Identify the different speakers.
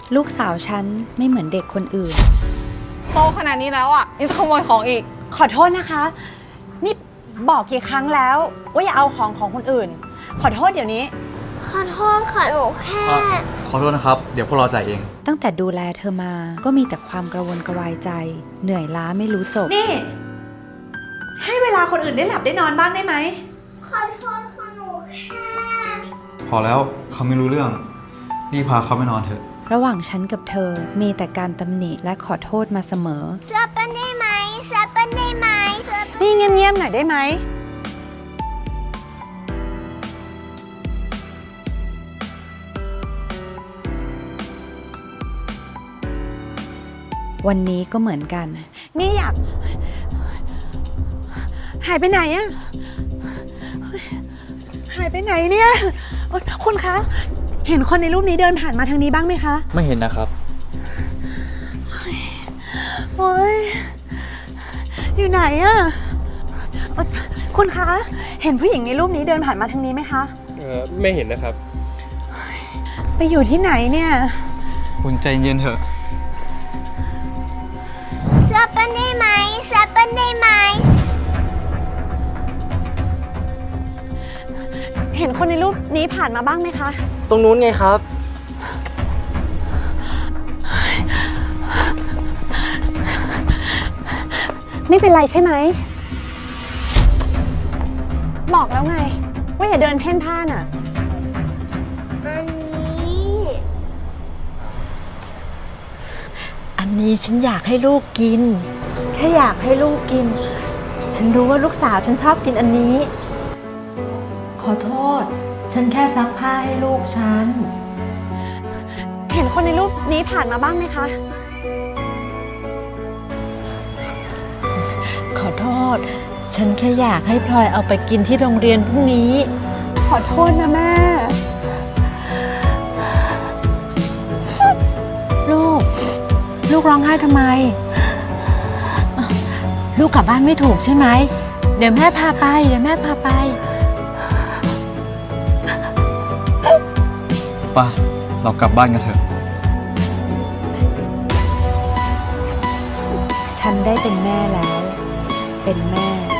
Speaker 1: ลูกสาวฉันไม่เหมือนเด็กคนอื่น
Speaker 2: โตขนาดนี้แล้วอ่ะยังจะขโมยของอีก
Speaker 3: ขอโทษนะคะนี่บอกกี่ครั้งแล้วว่าอย่าเอาของคนอื่นขอโทษเดี๋ยวนี้
Speaker 4: ขอโทษค่ะหนูแค่
Speaker 5: ขอโทษนะครับเดี๋ยวพวกเราจ่ายเอง
Speaker 1: ตั้งแต่ดูแลเธอมาก็มีแต่ความกระวนกระวายใจ เหนื่อยล้าไม่รู้จบ
Speaker 3: นี่ให้เวลาคนอื่นได้หลับได้นอนบ้างได้ไหม
Speaker 4: ขอโทษค่ะหนูแค่
Speaker 5: พอแล้วเขาไม่รู้เรื่องรีบพาเขาไปนอนเถอะ
Speaker 1: ระหว่างฉันกับเธอมีแต่การตำหนิและขอโทษมาเสมอ
Speaker 4: เสื้อเป็นได้ไหมเสื้อเป็นได้ไหม
Speaker 3: นี่เงียบๆหน่อยได้ไหม
Speaker 1: วันนี้ก็เหมือนกัน
Speaker 3: นี่อยากหายไปไหนอะหายไปไหนเนี่ยคุณคะเห็นคนในรูปนี้เดินผ่านมาทางนี้บ้างไหมคะ
Speaker 5: ไม่เห็นนะครับ
Speaker 3: โอ๊ยอยู่ไหนอะคุณคะเห็นผู้หญิงในรูปนี้เดินผ่านมาทางนี้ไหมคะ
Speaker 6: ไม่เห็นนะครับ
Speaker 3: ไปอยู่ที่ไหนเนี่ย
Speaker 5: คุณใจเย็นเถอะ
Speaker 4: เสื้อเป็นได้ไหมเสื้อเป็นได้ไหม
Speaker 3: เห็นคนในรูปนี้ผ่านมาบ้างไหมคะ
Speaker 6: ตรงนู้นไงครับ
Speaker 3: ไม่เป็นไรใช่ไหมบอกแล้วไงว่าอย่าเดินเพ่นพ่านอ่ะ
Speaker 7: อันนี้ฉันอยากให้ลูกกินแค่อยากให้ลูกกินฉันรู้ว่าลูกสาวฉันชอบกินอันนี้ขอโทษฉันแค่ซักผ้าให้ลูกฉัน
Speaker 3: เห็นคนในรูปนี้ผ่านมาบ้างไหมคะ
Speaker 7: ขอโทษฉันแค่อยากให้พลอยเอาไปกินที่โรงเรียนพรุ่งนี้
Speaker 3: ขอโทษนะแม่
Speaker 7: ลูกร้องไห้ทำไมลูกกลับบ้านไม่ถูกใช่ไหมเดี๋ยวแม่พาไป
Speaker 5: ป่ะเรากลับบ้านกันเถอะ
Speaker 1: ฉันได้เป็นแม่แล้วเป็นแม่